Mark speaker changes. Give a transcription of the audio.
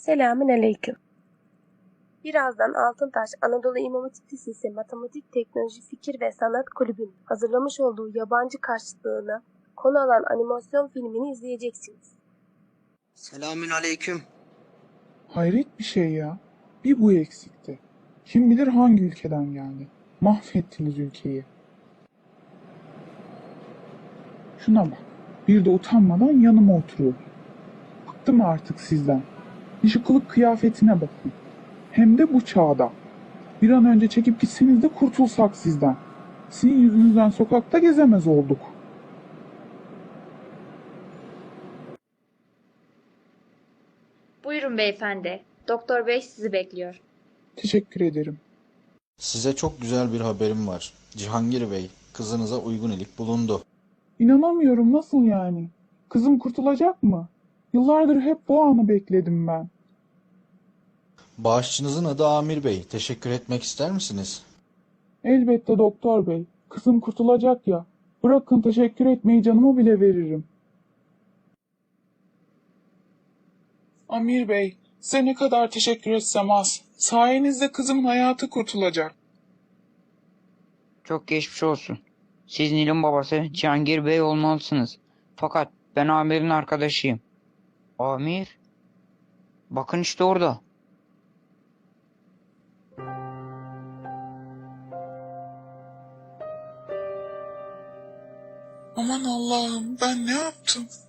Speaker 1: Selamünaleyküm. Birazdan Altıntaş Anadolu İmam Hatip Lisesi Matematik, Teknoloji, Fikir ve Sanat Kulübü'nün hazırlamış olduğu yabancı karşıtlığına konu alan animasyon filmini izleyeceksiniz.
Speaker 2: Selamünaleyküm.
Speaker 3: Hayret bir şey ya. Bir bu eksikti. Kim bilir hangi ülkeden geldi. Mahvettiniz ülkeyi. Şuna bak. Bir de utanmadan yanıma oturuyor. Bıktım artık sizden. Bir şu kılık kıyafetine bakın. Hem de bu çağda. Bir an önce çekip gitseniz de kurtulsak sizden. Sizin yüzünüzden sokakta gezemez olduk.
Speaker 4: Buyurun beyefendi. Doktor bey sizi bekliyor.
Speaker 3: Teşekkür ederim.
Speaker 5: Size çok güzel bir haberim var. Cihangir Bey, kızınıza uygun ilik bulundu.
Speaker 3: İnanamıyorum, nasıl yani? Kızım kurtulacak mı? Yıllardır hep bu anı bekledim ben.
Speaker 5: Bağışçınızın adı Amir Bey. Teşekkür etmek ister misiniz?
Speaker 3: Elbette doktor bey. Kızım kurtulacak ya. Bırakın teşekkür etmeyi, canımı bile veririm. Amir bey, size ne kadar teşekkür etsem az. Sayenizde kızımın hayatı kurtulacak.
Speaker 6: Çok geçmiş olsun. Siz Nil'in babası Cihangir Bey olmalısınız. Fakat ben Amir'in arkadaşıyım. Amir? Bakın işte orada.
Speaker 3: Aman Allah'ım, ben ne yaptım?